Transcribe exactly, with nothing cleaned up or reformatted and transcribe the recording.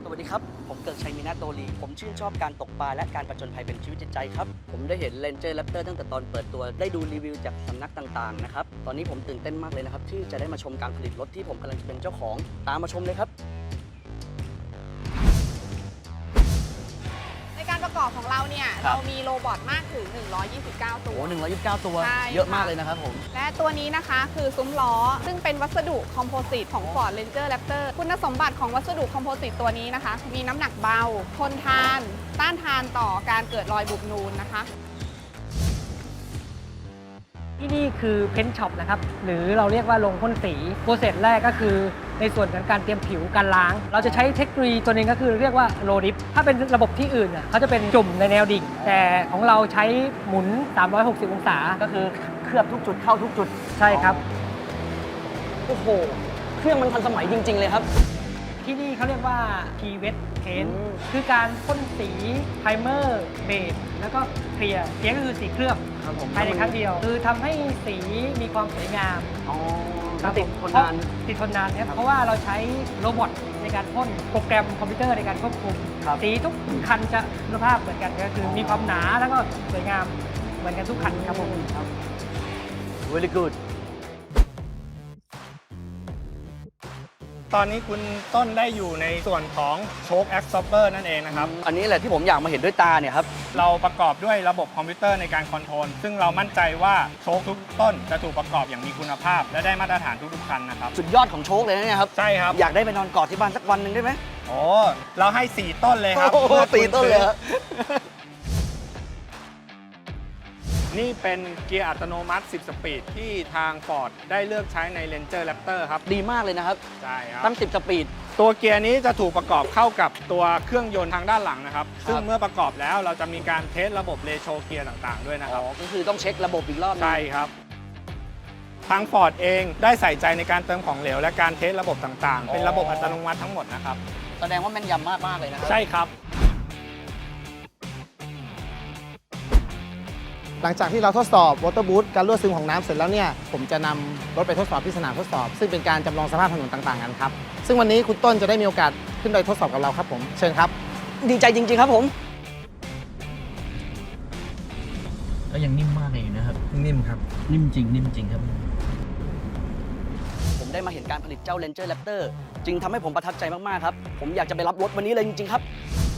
วัสดีครับผมเกิดชัยมีนาโตลีผมชื่นชอบการตกปลาและการผจญภัยเป็นชีวิตจิตใจครับผมได้เห็น Ranger Raptor ตั้งแต่ตอนเปิดตัวได้ดูรีวิวจากสำนักต่างๆนะครับตอนนี้ผมตื่นเต้นมากเลยนะครับที่จะได้มาชมการผลิตรถที่ผมกำลังจะเป็นเจ้าของตามมาชมเลยครับในการประกอบของเราเนี่ยเรามีโรบอทมากถึงหนึ่งร้อยยี่สิบเก้าตัวโอ้หนึ่งร้อยยี่สิบเก้าตัวใช่เยอะมากเลยนะครับผมและตัวนี้นะคะคือซุ้มล้อซึ่งเป็นวัสดุคอมโพสิตของ Ford Ranger Raptor คุณสมบัติของวัสดุคอมโพสิตตัวนี้นะคะมีน้ำหนักเบาทนทานต้านทานต่อการเกิดรอยบุบนูนนะคะที่นี่คือเพ้นท์ช็อปนะครับหรือเราเรียกว่าโรงพ่นสีโปรเซสแรกก็คือในส่วนของการเตรียมผิวการล้าง เราจะใช้เทคโนโลยีตัวนึงก็คือเรียกว่าโรดิฟถ้าเป็นระบบที่อื่นเขาจะเป็นจุ่มในแนวดิ่งแต่ของเราใช้หมุนสามร้อยหกสิบองศาก็คือเคลือบทุกจุดเข้าทุกจุดใช่ครับโอ้โหเครื่องมันทันสมัยจริงๆเลยครับที่นี่เขาเรียกว่า P Wet Paint คือการพ่นสีไพรเมอร์เบสแล้วก็เคลียร์เคลียร์ก็คือสีเคลือบภายในครั้งเดียวคือทำให้สีมีความสวยงามติดทนนานติดทนนานครับเพราะว่าเราใช้โรบอทในการพ่นโปรแกรมคอมพิวเตอร์ในการควบคุมสีทุกคันจะคุณภาพเหมือนกันก็คือมีความหนาแล้วก็สวยงามเหมือนกันทุกคันครับผมครับ very good ตอนนี้คุณต้นได้อยู่ในส่วนของโชคแอคซอปเปอร์นั่นเองนะครับอันนี้แหละที่ผมอยากมาเห็นด้วยตาเนี่ยครับเราประกอบด้วยระบบคอมพิวเตอร์ในการคอนโทรลซึ่งเรามั่นใจว่าโชคทุกต้นจะถูกประกอบอย่างมีคุณภาพและได้มาตรฐานทุกๆคันนะครับสุดยอดของโชคเลยนะเนี่ยครับใช่ครับอยากได้ไปนอนกอดที่บ้านสักวันหนึ่งได้ไหมโอ้เราให้สี่ต้นเลยครับสี่ต้นเลยครับนี่เป็นเกียร์อัตโนมัติสิบสปีดที่ทาง Ford ได้เลือกใช้ใน Ranger Raptor ครับดีมากเลยนะครับใช่ครับตั้งสิบสปีดตัวเกียร์นี้จะถูกประกอบเข้ากับตัวเครื่องยนต์ทางด้านหลังนะครับซึ่งเมื่อประกอบแล้วเราจะมีการเทสระบบเรโชเกียร์ต่างๆด้วยนะครับก็คือต้องเช็คระบบอีกรอบใช่ครับทาง Ford เองได้ใส่ใจในการเติมของเหลวและการเทสระบบต่างๆเป็นระบบอัตโนมัติทั้งหมดนะครับแสดงว่าแม่นยำมากมากเลยนะครับใช่ครับหลังจากที่เราทดสอบวอเตอร์บูทการรั่วซึมของน้ำเสร็จแล้วเนี่ยผมจะนำรถไปทดสอบที่สนามทดสอบซึ่งเป็นการจำลองสภาพถนนต่างๆกันครับซึ่งวันนี้คุณต้นจะได้มีโอกาสขึ้นไปทดสอบกับเราครับผมเชิญครับดีใจจริงๆครับผมก็ยังนิ่มมากเลยนะครับนิ่มครับนิ่มจริงนิ่มจริงครับผมได้มาเห็นการผลิตเจ้า Ranger Raptor จึงทำให้ผมประทับใจมากๆครับผมอยากจะไปรับรถวันนี้เลยจริงๆครับ